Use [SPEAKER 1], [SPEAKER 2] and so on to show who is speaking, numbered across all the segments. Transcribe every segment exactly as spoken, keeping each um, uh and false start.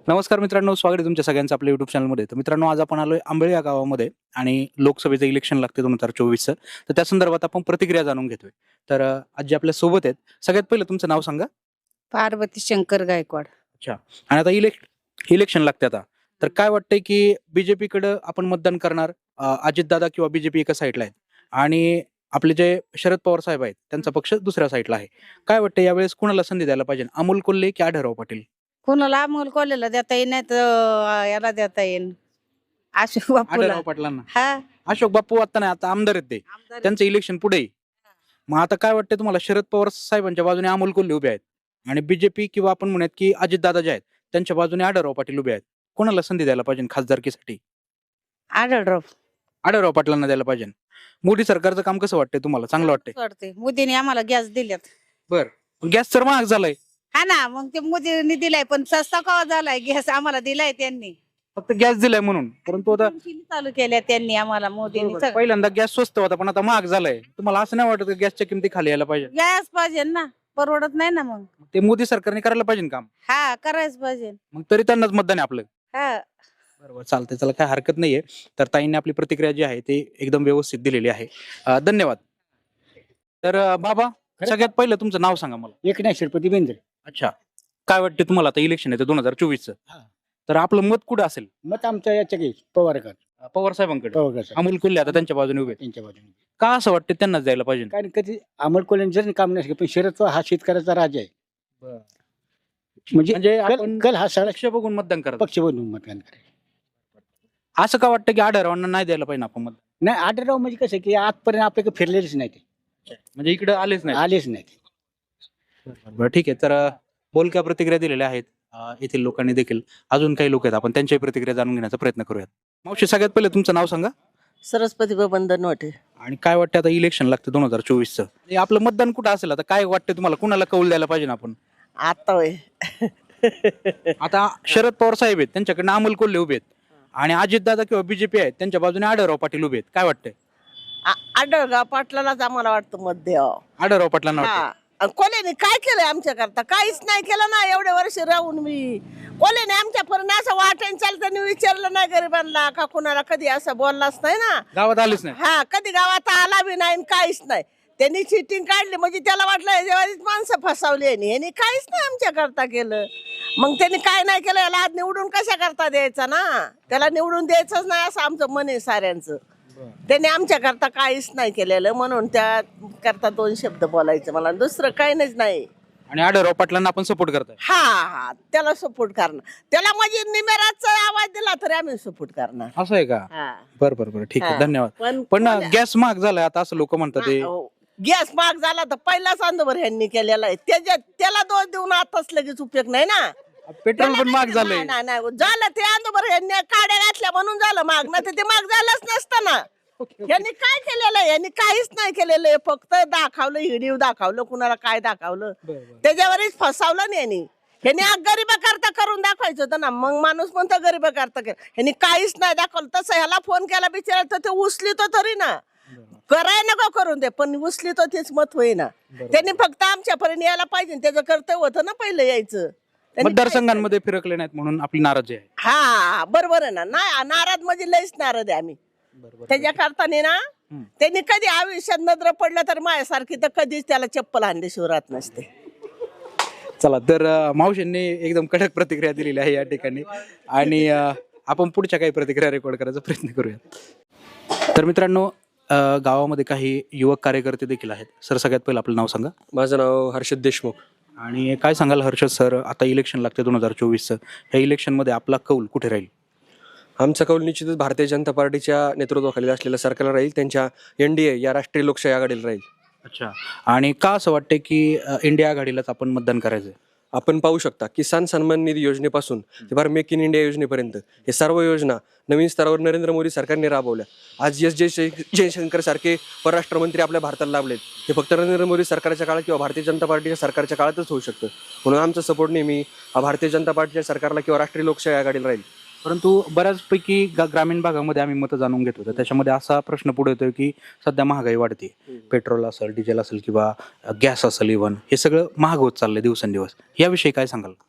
[SPEAKER 1] नमस्कार मित्रांनो, स्वागत आहे तुमच्या सगळ्यांचं आपल्या युट्यूब चॅनलमध्ये. तर मित्रांनो, आज आपण आलोय आंबेळे या गावामध्ये आणि लोकसभेचं इलेक्शन लागते दोन हजार चोवीसचं. तर त्या संदर्भात आपण प्रतिक्रिया जाणून घेतोय. तर अ, आज जे आपल्या सोबत आहेत, सगळ्यात पहिलं तुमचं नाव सांगा.
[SPEAKER 2] पार्वती शंकर गायकवाड.
[SPEAKER 1] अच्छा. आणि आता इलेक् इलेक्शन लागते आता. तर काय वाटतंय की बीजेपीकडं आपण मतदान करणार, अ, अजितदादा किंवा बीजेपी एका साईडला आहेत आणि आपले जे शरद पवार साहेब आहेत त्यांचा पक्ष दुसऱ्या साईडला आहे. काय वाटतं यावेळेस कुणाला संधी द्यायला पाहिजे? अमोल कोल्हे की आढळराव पाटील?
[SPEAKER 2] कोणाला अमोल कोल्हेला देता येईल नाही तर याला देता येईल अशोक बापूला.
[SPEAKER 1] आढळराव पाटलांना.
[SPEAKER 2] हा
[SPEAKER 1] अशोक बापू आता नाही, आता आमदार आहेत ते.
[SPEAKER 2] आमदार
[SPEAKER 1] त्यांचं इलेक्शन पुढे आहे. मग आता काय वाटतं तुम्हाला? शरद पवार साहेबांच्या बाजूने अमोल कोल्हे उभे आहेत आणि बीजेपी किंवा आपण म्हणूयात की अजितदादा जे आहेत त्यांच्या बाजूने आढळराव पाटील उभे आहेत. कोणाला संधी द्यायला पाहिजे खासदारकीसाठी?
[SPEAKER 2] आढळराव.
[SPEAKER 1] आढळराव पाटलांना द्यायला पाहिजे. मोदी सरकारचं काम कसं वाटतंय तुम्हाला? चांगलं वाटतंय?
[SPEAKER 2] वाटते मोदीने आम्हाला गॅस दिल्यात.
[SPEAKER 1] बर. गॅस तर महाग झालाय.
[SPEAKER 2] हा ना, मग ते मोदीने दिलाय पण सस्ता कवा झालाय गॅस आम्हाला दिलाय त्यांनी.
[SPEAKER 1] फक्त गॅस दिलाय म्हणून, परंतु आता
[SPEAKER 2] तीन चालू केल्या त्यांनी आम्हाला मोदीने.
[SPEAKER 1] बरोबर, पहिल्यांदा गॅस स्वस्त होता पण आता महाग झालाय. तुम्हाला असं नाही वाटत की गॅसच्या किमती खाली यायला पाहिजे?
[SPEAKER 2] गॅस पाहिजे ना, परवडत नाही ना. मग
[SPEAKER 1] ते मोदी सरकारने करायला पाहिजे काम.
[SPEAKER 2] हा करायच पाहिजे.
[SPEAKER 1] मग तरी त्यांनाच मतदान आहे आपलं.
[SPEAKER 2] हा
[SPEAKER 1] बरोबर, चालतंय. त्याला काय हरकत नाहीये. तर ताईंनी आपली प्रतिक्रिया जी आहे ती एकदम व्यवस्थित दिलेली आहे. अ, धन्यवाद. तर अ, बाबा, सगळ्यात पहिलं तुमचं नाव सांगा मला.
[SPEAKER 3] एकनाथ श्रीपती बेंद्रे.
[SPEAKER 1] अच्छा. काय वाटतं तुम्हाला? आता इलेक्शन आहे दोन हजार चोवीसचं.
[SPEAKER 3] हा.
[SPEAKER 1] तर आपलं मत कुठं असेल?
[SPEAKER 3] मत आमचं याच्या काही पवारकर
[SPEAKER 1] पवार साहेबांकडे.
[SPEAKER 3] पवारकर
[SPEAKER 1] अमोल कोल्हे आता त्यांच्या बाजूने उभे आहेत.
[SPEAKER 3] त्यांच्या बाजूने.
[SPEAKER 1] का असं वाटतं त्यांनाच द्यायला पाहिजे?
[SPEAKER 3] कारण कधी अमोल कोल्हे जर काम नसलं पण शरद पवार हा शेतकऱ्याचा राजा आहे. म्हणजे
[SPEAKER 1] म्हणजे
[SPEAKER 3] कल
[SPEAKER 1] आपण
[SPEAKER 3] कल हा सगळा
[SPEAKER 1] लक्ष बघून मतदान करत.
[SPEAKER 3] पक्ष बनवून मतदान करायचं.
[SPEAKER 1] असं का वाटतं की आढळरावांना नाही द्यायला पाहिजे आपण मत?
[SPEAKER 3] नाही आढळराव म्हणजे कसं आहे की आजपर्यंत आपल्याकडे फिरलेलेच नाही ते,
[SPEAKER 1] म्हणजे इकडे आलेच नाही.
[SPEAKER 3] आलेच नाही ते.
[SPEAKER 1] बरं, ठीक आहे. तर अ, बोलक्या प्रतिक्रिया दिलेल्या आहेत अ, येथील लोकांनी देखील. अजून काही लोक आहेत, आपण त्यांच्याही प्रतिक्रिया जाणून घेण्याचा प्रयत्न करूयात. मावशी, सगळ्यात पहिले तुमचं नाव सांगा.
[SPEAKER 4] सरस्वती बंधन वाटे.
[SPEAKER 1] आणि काय वाटतं आता इलेक्शन लागतं दोन हजार चोवीसचं, हे आपलं मतदान कुठं असेल? आता काय वाटतं तुम्हाला? कुणाला कौल द्यायला पाहिजे ना आपण?
[SPEAKER 4] आता होय.
[SPEAKER 1] आता शरद पवार साहेब आहेत, त्यांच्याकडनं अमोल कोल्हे उभे आहेत आणि अजितदादा किंवा बीजेपी आहेत त्यांच्या बाजूने आढळराव पाटील उभे आहेत. काय वाटतंय?
[SPEAKER 4] आ- आढळगाव पाटलालाच आम्हाला वाटतं मत द्यावं.
[SPEAKER 1] आढळराव पाटलांना वाटतं?
[SPEAKER 4] हा. आणि कोल्हेने काय केलंय आमच्या करता? काहीच नाही केलं ना एवढे वर्ष राहून मी. कोल्हेने आमच्या पर्यंत असं वाटेन चालताना विचारलं नाही गरिबांना का कुणाला, कधी असं बोललाच नाही ना.
[SPEAKER 1] गावात आलेच नाही.
[SPEAKER 4] हा, कधी गावात आला बी नाही आणि काहीच नाही. त्यांनी चिटिंग काढली म्हणजे त्याला वाटलं याच्यावरच माणसं फसवली यांनी. यांनी काहीच नाही आमच्या करता केलं. मग त्यांनी काय नाही केलं, याला आज निवडून कशा करता द्यायचा ना? त्याला निवडून द्यायचंच नाही असं आमचं मन आहे साऱ्यांचं. त्यांनी आमच्या करता काहीच नाही केलेलं, म्हणून त्या करता दोन शब्द बोलायचं मला, दुसरं काही नाही.
[SPEAKER 1] आणि आढळराव पाटलांना आपण सपोर्ट करताय?
[SPEAKER 4] हा हा, त्याला सपोर्ट करणार. त्याला म्हणजे निमेराचा आवाज दिला तरी आम्ही सपोर्ट करणार.
[SPEAKER 1] असं आहे का?
[SPEAKER 4] हा.
[SPEAKER 1] बरं बरं बरं, ठीक आहे.
[SPEAKER 4] हा.
[SPEAKER 1] धन्यवाद.
[SPEAKER 4] पण
[SPEAKER 1] पण
[SPEAKER 4] कोण्या-
[SPEAKER 1] गॅस महाग झालाय आता असं लोक म्हणतात ते.
[SPEAKER 4] गॅस महाग झाला तर पहिलाच अंधभर ह्यांनी केलेला आहे. त्याच्या त्याला दोष देऊन आताच लगेच उपयोग नाही ना.
[SPEAKER 1] पेट्रोल पण महाग झालंय.
[SPEAKER 4] नाही, नाही, नाही. झालं ते अंधभर ह्यांनी काड्या घातल्या म्हणून झालं महाग, नाही तर ते महाग झालंच नसतं ना. यांनी काय केलेलं आहे? यांनी काहीच नाही केलेलं आहे. फक्त दाखवलं, हिडीव दाखवलं, कुणाला काय दाखवलं, त्याच्यावरच फसवलं नाही यांनी. ह्यांनी गरीबा करता करून दाखवायचं होतं ना. मग माणूस म्हणतो गरीबा करता कर, ह्यांनी काहीच नाही दाखवलं. तसं ह्याला फोन केला बिचारा तर ते उचलितो तरी ना. कराय नको करून दे, पण उचलितो तेच मत होईना. त्यांनी फक्त आमच्यापर्यंत यायला पाहिजे, त्याचं कर्तव्य होतं ना पहिलं यायचं. त्यांनी
[SPEAKER 1] मतदारसंघांमध्ये फिरकले नाहीत म्हणून आपली नाराजी आहे.
[SPEAKER 4] हा, बरोबर आहे ना. नाही नाराज म्हणजे लयच नाराज आहे आम्ही त्याच्या करताना ना. त्यांनी कधी आयुष्यात नजर पडलं तर माझ्यासारखी तर कधीच त्याला चप्पल आणल्याशिवाय राहत नसते.
[SPEAKER 1] चला, तर अ, मावशींनी एकदम कडक प्रतिक्रिया दिलेली आहे या ठिकाणी आणि अ, आपण पुढच्या काही प्रतिक्रिया रेकॉर्ड करायचा प्रयत्न करूया. तर मित्रांनो, अ, गावामध्ये काही युवक कार्यकर्ते देखील आहेत. सर, सगळ्यात पहिलं आपलं नाव सांगा.
[SPEAKER 5] माझं नाव हर्षद देशमुख.
[SPEAKER 1] आणि काय सांगाल हर्षद सर, आता इलेक्शन लागते दोन हजार चोवीसचं, ह्या इलेक्शनमध्ये आपला कौल कुठे राहील?
[SPEAKER 5] आमचा कौल निश्चितच भारतीय जनता पार्टीच्या नेतृत्वाखाली असलेल्या सरकारला राहील, त्यांच्या एन डी ए या राष्ट्रीय लोकशाही आघाडीला राहील.
[SPEAKER 1] अच्छा. आणि का असं वाटतं की अ, इंडिया आघाडीलाच आपण मतदान करायचं?
[SPEAKER 5] आपण पाहू शकता किसान सन्मान निधी योजनेपासून ते फार मेक इन इंडिया योजनेपर्यंत हे सर्व योजना नवीन स्तरावर नरेंद्र मोदी सरकारने राबवल्या. आज एस जय जयशंकर सारखे परराष्ट्र मंत्री आपल्या भारताला लाभलेत. हे फक्त नरेंद्र मोदी सरकारच्या काळात किंवा भारतीय जनता पार्टीच्या सरकारच्या काळातच होऊ शकतं. म्हणून आमचा सपोर्ट नेहमी हा भारतीय जनता पार्टीच्या सरकारला किंवा राष्ट्रीय लोकशाही आघाडीला राहील.
[SPEAKER 1] परंतु बऱ्याचपैकी गा- ग्रामीण भागामध्ये आम्ही मतं जाणून घेतो, तर त्याच्यामध्ये असा प्रश्न पुढे येतोय की सध्या महागाई वाढते. पेट्रोल असेल, डिझेल असेल किंवा गॅस असेल, इव्हन हे सगळं महाग होत चाललंय दिवसेंदिवस. याविषयी काय सांगाल?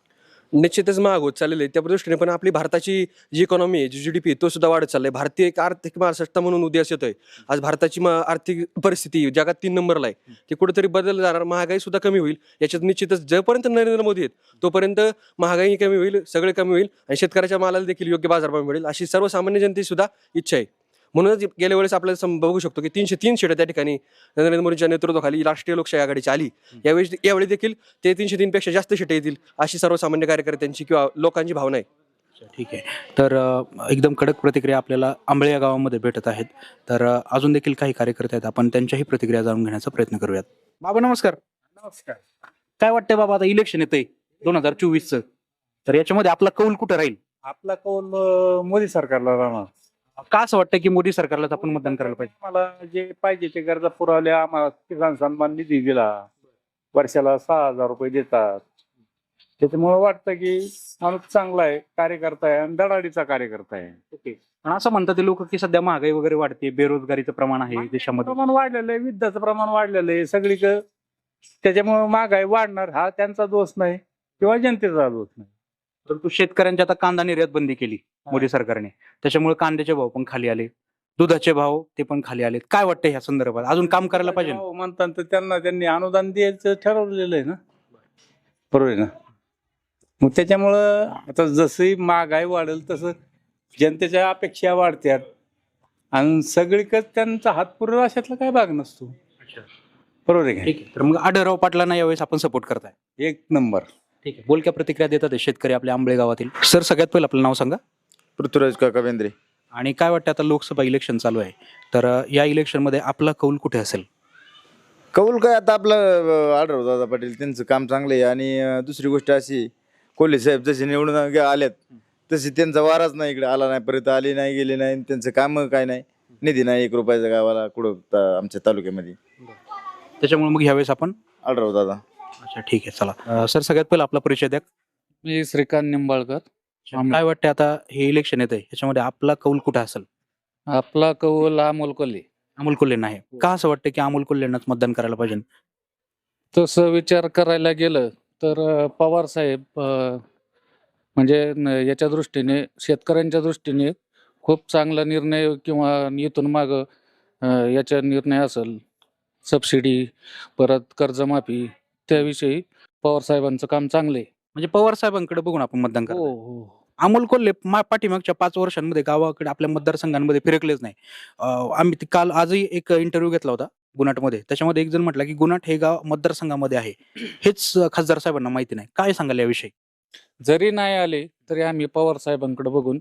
[SPEAKER 5] निश्चितच महाग होत चाललेले आहे. त्या दृष्टीने पण आपली भारताची जी इकॉनॉमी आहे, जी जीडीपी तो सुद्धा वाढत चाललाय. भारतीय एक आर्थिक महासत्ता म्हणून उदयास येतोय. आज भारताची म- आर्थिक परिस्थिती जगात तीन नंबरला आहे. ती कुठेतरी बदल जाणार, महागाई सुद्धा कमी होईल. याच्यात निश्चितच जोपर्यंत नरेंद्र मोदी आहेत तोपर्यंत महागाई कमी होईल, सगळे कमी होईल आणि शेतकऱ्याच्या मालाला देखील योग्य बाजारभाव मिळेल अशी सर्वसामान्य जनतेची सुद्धा इच्छा आहे. म्हणूनच गेल्या वेळेस आपल्याला सम- बघू शकतो की तीनशे तीन सीटं त्या ठिकाणी नरेंद्र मोदींच्या नेतृत्वाखाली राष्ट्रीय लोकशाही आघाडीची आली. यावेळी यावेळी देखील ते तीनशे तीन पेक्षा जास्त सीटं येतील अशी सर्वसामान्य कार्यकर्त्यांची किंवा लोकांची भावना आहे.
[SPEAKER 1] ठीक आहे. तर अ, एकदम कडक प्रतिक्रिया आपल्याला आंबळे या गावामध्ये भेटत आहेत. तर अ, अजून देखील काही कार्यकर्ते आहेत, आपण त्यांच्याही प्रतिक्रिया जाणून घेण्याचा प्रयत्न करूयात. बाबा नमस्कार.
[SPEAKER 3] नमस्कार.
[SPEAKER 1] काय वाटतंय बाबा, आता इलेक्शन येतंय दोन हजार चोवीसचं, तर याच्यामध्ये आपला कौल कुठं राहील?
[SPEAKER 6] आपला कौल अं, मोदी सरकारला राहणार.
[SPEAKER 1] का असं वाटतं की मोदी सरकारलाच आपण मतदान करायला पाहिजे?
[SPEAKER 6] मला जे पाहिजे ते गरजा पुरवल्या. आम्हाला किसान सन्मान निधी दिला, वर्षाला सहा हजार रुपये देतात. त्याच्यामुळे वाटतं की माणूस चांगला आहे, कार्यकर्ता आहे आणि धडाडीचा कार्यकर्ता आहे.
[SPEAKER 1] ओके. पण असं म्हणतात ते लोक की सध्या महागाई वगैरे वाढते, बेरोजगारीचं प्रमाण आहे देशामध्ये.
[SPEAKER 6] प्रमाण वाढलेलं आहे, युद्धाचं प्रमाण वाढलेलं आहे सगळीकडे. त्याच्यामुळे महागाई वाढणार, हा त्यांचा दोष नाही किंवा जनतेचा दोष नाही.
[SPEAKER 1] परंतु शेतकऱ्यांची आता कांदा निर्यात बंदी केली मोदी सरकारने, त्याच्यामुळे कांद्याचे भाव पण खाली आले, दुधाचे भाव ते पण खाली आले. काय वाटतं ह्या संदर्भात अजून काम करायला पाहिजे?
[SPEAKER 6] हो म्हणतात तर त्यांना त्यांनी अनुदान द्यायचं ठरवलेलं आहे ना, बरोबर आहे ना. मग त्याच्यामुळं आता जसंही महागाई वाढेल तसं जनतेच्या अपेक्षा वाढतात आणि सगळीकडे त्यांचा हात पुरवला अशातला काय भाग नसतो, बरोबर आहे का?
[SPEAKER 1] ठीक आहे. तर मग आढळराव पाटलांना यावेळेस आपण सपोर्ट करताय?
[SPEAKER 6] एक नंबर.
[SPEAKER 1] ठीक आहे. बोलक्या प्रतिक्रिया देतात हे शेतकरी आपल्या आंबळे गावातील. सर सगळ्यात पहिलं आपलं नाव सांगा
[SPEAKER 7] पृथ्वीराज काका बेंद्रे.
[SPEAKER 1] आणि काय वाटतं, आता लोकसभा इलेक्शन चालू आहे, तर अ, या इलेक्शनमध्ये आपला कौल कुठे असेल?
[SPEAKER 7] कौल काय आता आपलं आढळराव दादा पाटील त्यांचं काम चांगलं आहे. आणि अं, दुसरी गोष्ट अशी, कोल्हे साहेब जसे निवडून गे- आल्यात तसे त्यांचा वाराच नाही, इकडे आला नाही, परत आले नाही, गेले नाही, त्यांचं काम काय नाही, निधी नाही एक रुपयाचा गावाला कुठं ता- आमच्या तालुक्यामध्ये.
[SPEAKER 1] त्याच्यामुळे मग यावेळेस आपण
[SPEAKER 7] आढळराव दादा.
[SPEAKER 1] अच्छा ठीक आहे. चला अ, सर सगळ्यात पहिला आपला परिचय द्या.
[SPEAKER 8] मी श्रीकांत निंबाळकर.
[SPEAKER 1] काय वाटतं आता हे इलेक्शन येत आहे, याच्यामध्ये आपला कौल कुठं असेल?
[SPEAKER 8] आपला कौल अमोल कोल्हे.
[SPEAKER 1] अमोल कोल्हेंना आहे. का असं वाटतं की अमोल कोल्हेंनाच मतदान करायला पाहिजे?
[SPEAKER 8] तसं विचार करायला गेलं तर अं, पवार साहेब अं, म्हणजे न- याच्या दृष्टीने शेतकऱ्यांच्या दृष्टीने खूप चांगला निर्णय किंवा इथून माग याचा निर्णय असेल, सबसिडी परत कर्जमाफी, त्याविषयी पवार साहेबांचं काम चांगलं आहे.
[SPEAKER 1] म्हणजे पवार साहेबांकडे बघून आपण मतदान
[SPEAKER 8] हो
[SPEAKER 1] करतो.
[SPEAKER 8] हो.
[SPEAKER 1] अमोल कोल्हे मा- पाठीमागच्या पाच वर्षांमध्ये गावाकडे आपल्या मतदारसंघांमध्ये फिरकलेच नाही. अं, आम्ही ते काल आजही एक इंटरव्ह्यू घेतला होता गुन्हाटमध्ये, त्याच्यामध्ये एक जण म्हटला की गुन्हाट हे गाव मतदारसंघामध्ये आहे, हेच अं, खासदार साहेबांना माहिती नाही. काय सांगाल याविषयी?
[SPEAKER 8] जरी नाही आले तरी आम्ही पवार साहेबांकडे बघून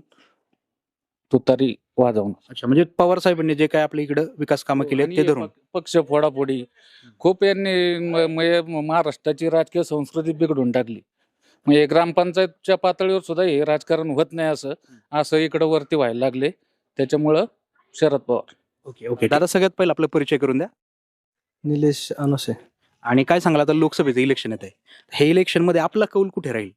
[SPEAKER 8] तुतारी वाजवणार.
[SPEAKER 1] अच्छा, म्हणजे पवार साहेबांनी जे काय आपल्या इकडे विकास कामं केली आहेत ते
[SPEAKER 8] आणि
[SPEAKER 1] धरून.
[SPEAKER 8] पक- पक्ष फोडाफोडी खूप यांनी म- म- महाराष्ट्राची राजकीय संस्कृती बिघडून टाकली. म्हणजे ग्रामपंचायतच्या पातळीवर सुद्धा हे राजकारण होत नाही असं असं इकडं वरती व्हायला लागले. त्याच्यामुळं शरद पवार.
[SPEAKER 1] Okay okay. दादा सगळ्यात पहिला आपला परिचय करून द्या.
[SPEAKER 9] निलेश अनोसे.
[SPEAKER 1] आणि काय सांगाल, आता लोकसभेचं इलेक्शन येत आहे, हे इलेक्शन मध्ये आपला कौल कुठे राहील?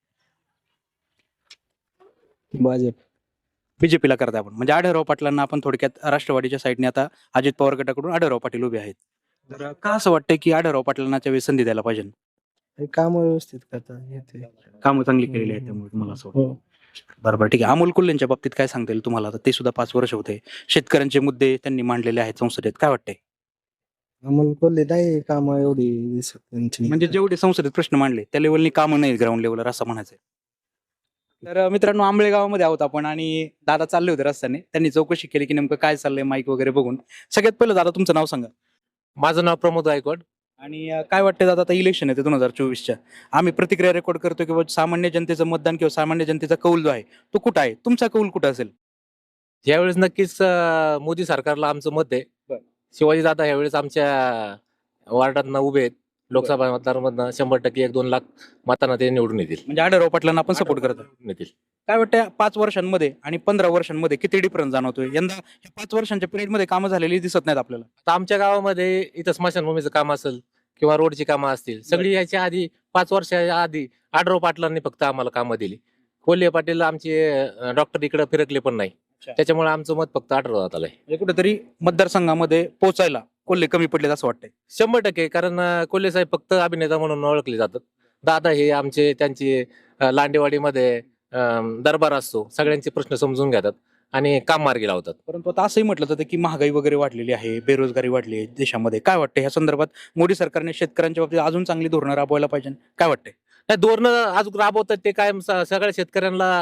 [SPEAKER 9] भाजप.
[SPEAKER 1] बीजेपीला करता आपण, म्हणजे आढळराव पाटलांना आपण थोडक्यात राष्ट्रवादीच्या साईडने आता अजित पवार गटाकडून आढळराव पाटील उभे आहेत. तर का असं वाटतं की आढळराव पाटलांना त्यावेळी संधी द्यायला पाहिजे?
[SPEAKER 9] हे काम व्यवस्थित करता येते.
[SPEAKER 1] कामं चांगली केलेली आहेत त्यामुळे तुम्हाला असं वाटतं?
[SPEAKER 9] हो.
[SPEAKER 1] बरोबर ठीक आहे. अमोल कोल्हेंच्या बाबतीत काय सांगता येईल तुम्हाला? आता ते सुद्धा पाच वर्ष होते, शेतकऱ्यांचे मुद्दे त्यांनी मांडलेले आहेत संसदेत, काय वाटतंय?
[SPEAKER 9] अमोल कोल्हे नाही काम एवढी दिसत त्यांची.
[SPEAKER 1] म्हणजे जेवढे संसदेत प्रश्न मांडले त्या लेवलनी कामं नाही ग्राउंड लेवलवर, असं म्हणायचंय. तर अं, मित्रांनो, आंबळे गावामध्ये आहोत आपण आणि दादा चालले होते रस्त्याने, त्यांनी चौकशी केली की नेमकं काय चाललंय माईक वगैरे बघून. सगळ्यात पहिलं दादा तुमचं नाव सांगा.
[SPEAKER 10] माझं नाव प्रमोद गायकवाड.
[SPEAKER 1] आणि अं, काय वाटतं दादा, आता इलेक्शन येते दोन हजार चोवीसच्या, आम्ही प्रतिक्रिया रेकॉर्ड करतो किंवा सामान्य जनतेचं मतदान किंवा सामान्य जनतेचा कौल जो आहे तो कुठं आहे? तुमचा कौल कुठं असेल?
[SPEAKER 10] यावेळेस नक्कीच अं, मोदी सरकारला आमचं मत आहे.
[SPEAKER 1] बरं.
[SPEAKER 10] शिवाजी दादा यावेळेस आमच्या वार्डातनं उभे आहेत. लोकसभा मतदारांमधनं शंभर टक्के एक दोन लाख मतांना ते निवडून येतील.
[SPEAKER 1] म्हणजे आढळराव पाटलांना आपण सपोर्ट करतो.
[SPEAKER 10] निवडून येतील.
[SPEAKER 1] काय वाटतं, पाच वर्षांमध्ये आणि पंधरा वर्षांमध्ये किती डिफरन्स जाणवतोय? यंदा ह्या पाच वर्षांच्या पिरियडमध्ये कामं झालेली दिसत नाहीत आपल्याला.
[SPEAKER 10] आता आमच्या गावामध्ये इथं स्मशानभूमीचं काम असेल किंवा रोडची कामं असतील, सगळी याच्या आधी पाच वर्षाच्या आधी आढळराव पाटलांनी फक्त आम्हाला कामं दिली. कोल्हे पाटील आमचे डॉक्टर इकडे फिरकले पण नाही. त्याच्यामुळे आमचं मत फक्त आढळराव दादाला आहे.
[SPEAKER 1] म्हणजे कुठेतरी मतदारसंघामध्ये पोहोचायला कोल्हे कमी पडलेत असं वाटतंय.
[SPEAKER 10] शंभर टक्के. कारण अं, कोल्हे साहेब फक्त अभिनेता म्हणून ओळखले जातात. दादा हे आमचे त्यांचे अं, लांडेवाडीमध्ये अं, दरबार असतो, सगळ्यांचे प्रश्न समजून घेतात आणि काम मार्गी लावतात.
[SPEAKER 1] परंतु आता असंही म्हटलं जातं की महागाई वगैरे वाढलेली आहे, बेरोजगारी वाढली आहे देशामध्ये. काय वाटतं ह्या संदर्भात मोदी सरकारने शेतकऱ्यांच्या बाबतीत अजून चांगली धोरणं राबवायला पाहिजे, काय वाटतंय?
[SPEAKER 10] नाही, धोरणं अजून राबवतात ते कायम स- सगळ्या शेतकऱ्यांना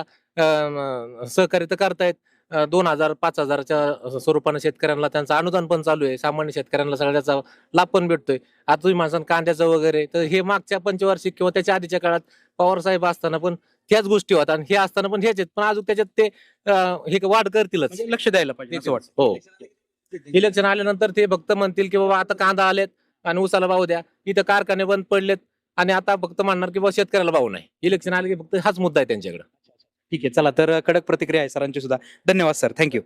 [SPEAKER 10] अं, सहकार्य तर करतायत. अं, दोन हजार पाच हजाराच्या स्वरूपाने शेतकऱ्यांना त्यांचं अनुदान पण चालू आहे. सामान्य शेतकऱ्यांना सगळ्याचा लाभ पण भेटतोय. आता तुम्ही माणसानं कांद्याचं वगैरे, तर हे मागच्या पंचवार्षिक किंवा त्याच्या आधीच्या काळात पवार साहेब असताना पण ह्याच गोष्टी होतात आणि हे असताना पण ह्याच आहेत. पण अजून त्याच्यात ते अं, हे वाढ करतीलच.
[SPEAKER 1] म्हणजे लक्ष द्यायला पाहिजे असं वाटतं.
[SPEAKER 10] हो, इलेक्शन आल्यानंतर ते फक्त म्हणतील की बाबा आता कांदा आलेत आणि उसाला भाव द्या, इथं कारखाने बंद पडलेत आणि आता फक्त म्हणणार की बाबा शेतकऱ्याला भाव नाही. इलेक्शन आले की फक्त हाच मुद्दा आहे त्यांच्याकडे.
[SPEAKER 1] ठीक आहे, चला तर कडक प्रतिक्रिया आहे सरांची सुद्धा. धन्यवाद सर, थँक्यू.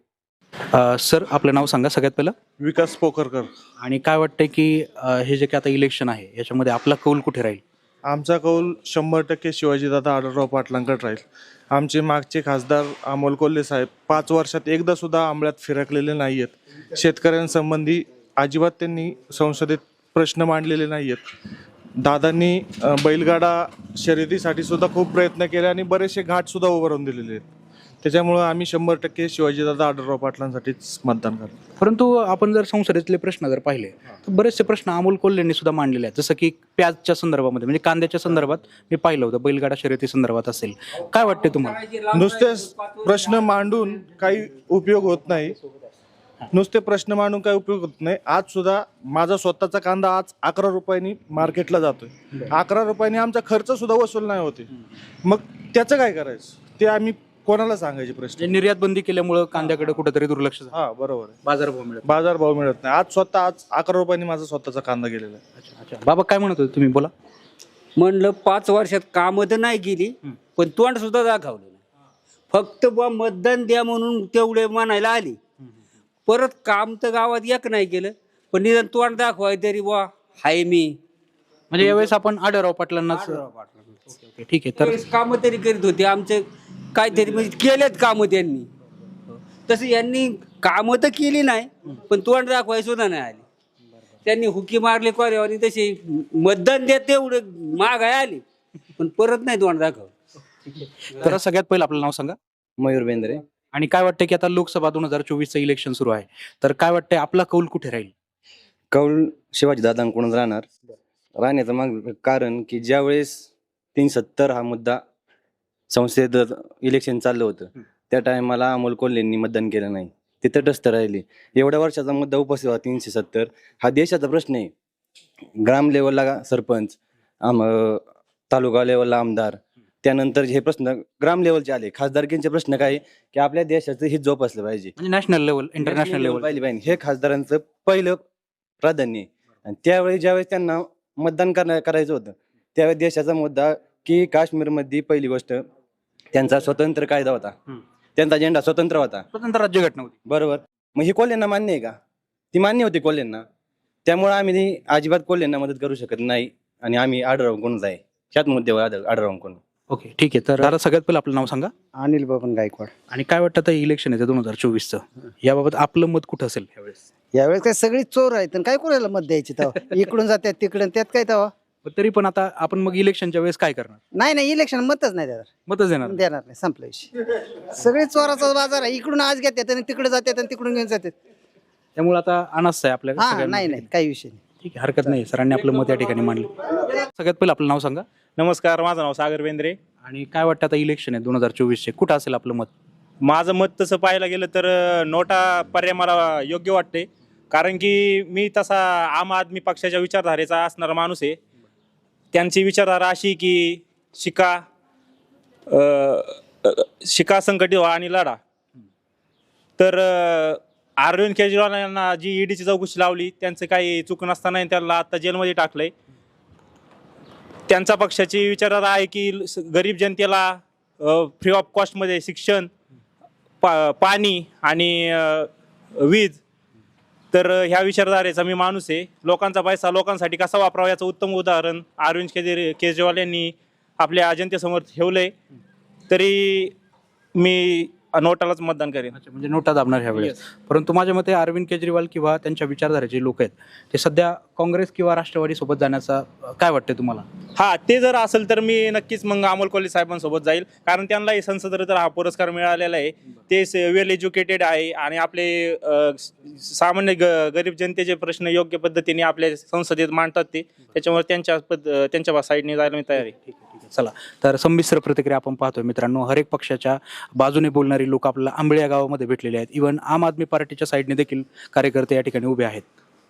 [SPEAKER 1] सर आपलं नाव सांगा सगळ्यात पहिलं,
[SPEAKER 11] विकास पोखरकर.
[SPEAKER 1] आणि काय वाटतंय की अ, हे जे काही आता इलेक्शन आहे याच्यामध्ये आपला कौल कुठे राहील?
[SPEAKER 11] आमचा कौल शंभर टक्के शिवाजीदादा आढळराव पाटलांकडे राहील. आमचे मागचे खासदार अमोल कोल्हे साहेब पाच वर्षात एकदा सुद्धा आंबळ्यात फिरकलेले नाही आहेत. शेतकऱ्यांसंबंधी अजिबात त्यांनी संसदेत प्रश्न मांडलेले नाही आहेत. दादांनी अ, बैलगाडा शर्यतीसाठी सुद्धा खूप प्रयत्न केले आणि बरेचसे घाट सुद्धा उभारून दिलेले आहेत. त्याच्यामुळं आम्ही शंभर टक्के शिवाजीदादा आढळराव पाटलांसाठीच मतदान करतो.
[SPEAKER 1] परंतु आपण जर संसदेतले प्रश्न जर पाहिले तर बरेचसे प्रश्न अमोल कोल्हेंनी सुद्धा मांडलेले आहेत, जसं की प्याजच्या संदर्भामध्ये, म्हणजे कांद्याच्या संदर्भात मी पाहिलं होतं, बैलगाडा शर्यती संदर्भात असेल. काय वाटते तुम्हाला?
[SPEAKER 11] नुसतेच प्रश्न मांडून काही उपयोग होत नाही. नुसते प्रश्न मांडून काही उपयोग होत नाही. आज सुद्धा माझा स्वतःचा कांदा आज अकरा रुपयांनी मार्केटला जातोय. अकरा रुपयांनी आमचा खर्च सुद्धा वसूल नाही होते. मग त्याचं काय करायचं ते आम्ही कोणाला सांगायचे प्रश्न?
[SPEAKER 1] म्हणजे निर्यात बंदी केल्यामुळे कांद्याकडे कुठेतरी दुर्लक्ष झालं,
[SPEAKER 11] हा बरोबर आहे.
[SPEAKER 1] बाजारभाव मिळत.
[SPEAKER 11] बाजारभाव मिळत नाही. आज स्वतः आज अकरा रुपयांनी माझा स्वतःचा कांदा गेलेला आहे.
[SPEAKER 1] अच्छा अच्छा, बाबा काय म्हणत होते तुम्ही, बोला.
[SPEAKER 3] म्हणलं पाच वर्षात कामं तर नाही केली, पण तोंड सुद्धा दाखवलं नाही. फक्त बुवा मतदान द्या म्हणून तेवढे म्हणायला आली. परत काम तर गावात एक नाही केलं, पण निदान तोंड दाखवाय तरी बुवा हाय मी.
[SPEAKER 1] म्हणजे यावेळेस आपण आढळराव पाटलांनाच. ओके, ओके, ठीक आहे. तर
[SPEAKER 3] कामं तरी करीत होते आमचे, काहीतरी म्हणजे केलेत कामं त्यांनी. तसं यांनी कामं तर केली नाही, पण तोंड दाखवाय सुद्धा नाही आली. त्यांनी हुकी मारले कोऱ्यावर, तसे मतदान देत तेवढं मागाय आली, पण परत नाही तोंड दाखव.
[SPEAKER 1] तर सगळ्यात पहिलं आपलं नाव सांगा.
[SPEAKER 5] मयूर बेंद्रे.
[SPEAKER 1] आणि काय वाटतं की आता लोकसभा दोन हजार चोवीसचं इलेक्शन सुरू आहे, तर काय वाटतंय आपला कौल कुठे राहील?
[SPEAKER 5] कौल शिवाजीदादांकडून राहणार. राहण्याचं मग कारण की ज्यावेळेस तीन सत्तर हा मुद्दा संसदेत इलेक्शन चाललं होतं, त्या टायमाला अमोल कोल्हेंनी मतदान केलं नाही, ते तटस्थ राहिले. एवढ्या वर्षाचा मुद्दा उपस्थित होता तीनशे सत्तर. हा देशाचा प्रश्न आहे. ग्राम लेवलला सरपंच, आम तालुका लेवलला आमदार, त्यानंतर हे प्रश्न ग्राम लेवलचे आले. खासदारकींचे प्रश्न काय की आपल्या देशाचं हित जोपासलं पाहिजे,
[SPEAKER 1] म्हणजे नॅशनल लेवल, इंटरनॅशनल लेवल
[SPEAKER 5] पाहिजे पाहिजे, हे खासदारांचं पहिलं प्राधान्य आहे. आणि त्यावेळी ज्यावेळेस त्यांना मतदान करणं करायचं होतं, त्यावेळी देशाचा मुद्दा की काश्मीरमध्ये पहिली गोष्ट त्यांचा स्वतंत्र कायदा होता, त्यांचा झेंडा स्वतंत्र होता,
[SPEAKER 1] स्वतंत्र राज्यघटना होती.
[SPEAKER 5] बरोबर. मग ही कोल्हेंना मान्य आहे का? ती मान्य होती कोल्हेंना. त्यामुळे आम्ही अजिबात कोल्हेंना मदत करू शकत नाही आणि आम्ही आढळराव कोणच आहे ह्याच मुद्द्यावर आढळराव कोण.
[SPEAKER 1] ओके, ठीक आहे. तर आता सगळ्यात पहिलं आपलं नाव सांगा.
[SPEAKER 3] अनिल बाबन गायकवाड.
[SPEAKER 1] आणि काय वाटतं आता इलेक्शन येतं दोन हजार चोवीसचं, याबाबत आपलं मत कुठं असेल यावेळेस?
[SPEAKER 9] यावेळेस काय सगळी चोर आहेत आणि काय कोणाला मत द्यायची तेव्हा? इकडून जातात तिकडून, त्यात काय तेव्हा?
[SPEAKER 1] पण तरी पण आता आपण मग इलेक्शनच्या वेळेस काय करणार?
[SPEAKER 9] नाही नाही, इलेक्शन मतच नाही देणार.
[SPEAKER 1] मतच देणार?
[SPEAKER 9] देणार नाही, संपला विषय. सगळे चोराचा बाजार आहे. इकडून आज घेतात आणि तिकडे जातात आणि तिकडून घेऊन जातात.
[SPEAKER 1] त्यामुळे आता अनास आहे आपल्या
[SPEAKER 9] हा
[SPEAKER 1] सगळ्यांना.
[SPEAKER 9] नाही नाही, काही विषय नाही.
[SPEAKER 1] ठीक आहे, हरकत नाही. सरांनी आपलं मत या ठिकाणी मांडलं. सगळ्यात पहिलं आपलं नाव सांगा.
[SPEAKER 12] नमस्कार, माझं नाव सागर बेंद्रे.
[SPEAKER 1] आणि काय वाटतं आता इलेक्शन आहे दोन हजार चोवीसचे, कुठं असेल आपलं मत?
[SPEAKER 12] माझं मत तसं पाहायला गेलं तर अ, नोटा पर्याय मला योग्य वाटते. कारण की मी तसा आम आदमी पक्षाच्या विचारधारेचा असणारा माणूस आहे. त्यांची विचारधारा अशी की शिका अ, अ, शिका, संकटित व्हा आणि लढा. तर अ, अरविंद केजरीवाल यांना जी ईडीची चौकशी लावली, त्यांचं काही चूक नसताना त्यांना आता जेलमध्ये टाकलंय. त्यांचा पक्षाची विचारधारा आहे की स- गरीब जनतेला फ्री ऑफ कॉस्टमध्ये शिक्षण, पा पाणी आणि अ, वीज. तर अ, ह्या विचारधारेचा मी माणूस आहे. लोकांचा पैसा लोकांसाठी कसा वापरावा याचं उत्तम उदाहरण अरविंद केजरी केजरीवाल यांनी आपल्या जनतेसमोर ठेवलं आहे. तरी मी नोटालाच मतदान करेन.
[SPEAKER 1] अच्छा, म्हणजे नोटा दाबणार ह्या वेळेस. परंतु माझ्या मते अरविंद केजरीवाल किंवा त्यांच्या विचारधारेचे लोक आहेत ते सध्या काँग्रेस किंवा राष्ट्रवादी सोबत जाण्याचा अ, काय वाटतंय तुम्हाला?
[SPEAKER 12] हा, ते जर असेल तर मी नक्कीच मग अमोल कोल्हे साहेबांसोबत जाईल, कारण त्यांना संसद रत्न हा पुरस्कार मिळालेला आहे. ते वेल एज्युकेटेड आहे आणि आपले अ, सामान्य ग- गरीब जनतेचे प्रश्न योग्य पद्धतीने आपल्या संसदेत मांडतात ते, त्याच्यामुळे त्यांच्या पद त्यांच्या साईडने जायला मी तयार आहे.
[SPEAKER 1] चला, तर संमिश्र प्रतिक्रिया आपण पाहतोय मित्रांनो. हर एक पक्षाच्या बाजूने बोलणारी लोक आपल्याला आंबळे या गावामध्ये भेटलेले आहेत. इव्हन आम आदमी पार्टीच्या साईडने देखील कार्यकर्ते या ठिकाणी उभे आहेत.